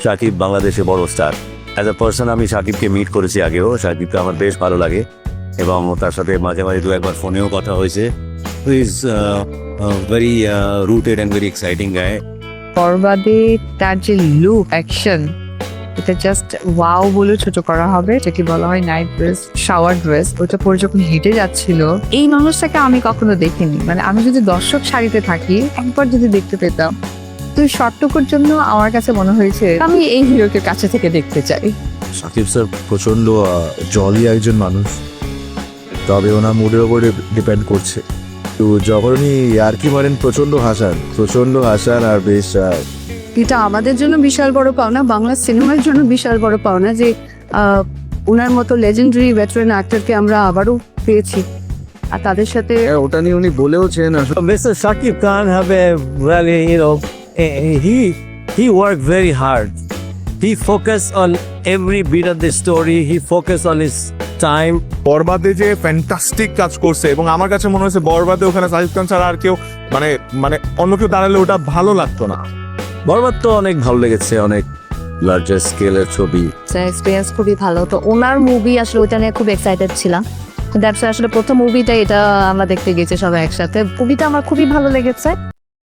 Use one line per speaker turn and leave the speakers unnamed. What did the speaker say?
শাকিব বাংলাদেশে বড় star. As a person আমি শাকিবকে মিট করেছি আগেও, শাকিবকে আমার বেশ ভালো লাগে এবং তার সাথে মাঝে মাঝে দু একবার ফোনেও কথা হয়েছে। Is very rooted and very exciting guy.
বরবাদে তার যে লুক অ্যাকশন, এটা জাস্ট ওয়াও বলে ছোট করা হবে, যেটি বলা হয় নাইট ড্রেস, শাওয়ার ড্রেস। ওটা পরে যখন হেঁটে যাচ্ছিল, এই মানুষটাকে আমি কখনো দেখিনি। মানে আমি যদি দর্শক সারিতে থাকি, একবার যদি দেখতে পেতাম, তো শর্টটুকুর জন্য আমার কাছে মনে হয়েছে আমি এই হিরোকে কাছে থেকে দেখতে চাই।
সাকিব স্যার প্রচণ্ড জলি একজন মানুষ, তবে ওনার মুডের ওপরে ডিপেন্ড করছে। তো যখন উনি আর কি মারেন প্রচণ্ড হাসান আর বেশ
এটা আমাদের জন্য বিশাল বড় পাওনা, বাংলা সিনেমার জন্য বিশাল বড় পাওনা যে ওনার মতো লেজেন্ডারি ভেটারেন অ্যাক্টরকে আমরা আবারও পেয়েছি। আর তাদের সাথে
ওটা নিয়ে উনি বলেওছেন আসলে
Mr. Shakib Khan have a really, he worked very hard. He focused on every beat of the story. He focused on his time.
বরবাদে যে ফ্যান্টাস্টিক কাজ করছে, এবং আমার কাছে মনে হয়েছে বরবাদে ওখানে সাকিব খান ছাড়া আর কেউ মানে মানে অন্য কেউ দাঁড়ালে ওটা ভালো লাগতো না।
বরবাদ তো অনেক ভালো লেগেছে, অনেক লার্জার স্কেলের ছবি।
এক্সপিরিয়েন্স খুবই ভালো। তো ওনার মুভি আসলে ওইটা নিয়ে খুব এক্সাইটেড ছিলাম। দ্যাটস আসলে প্রথম মুভিটা এটা আমরা দেখতে গেছি সবাই একসাথে। মুভিটা আমার খুবই ভালো লেগেছে।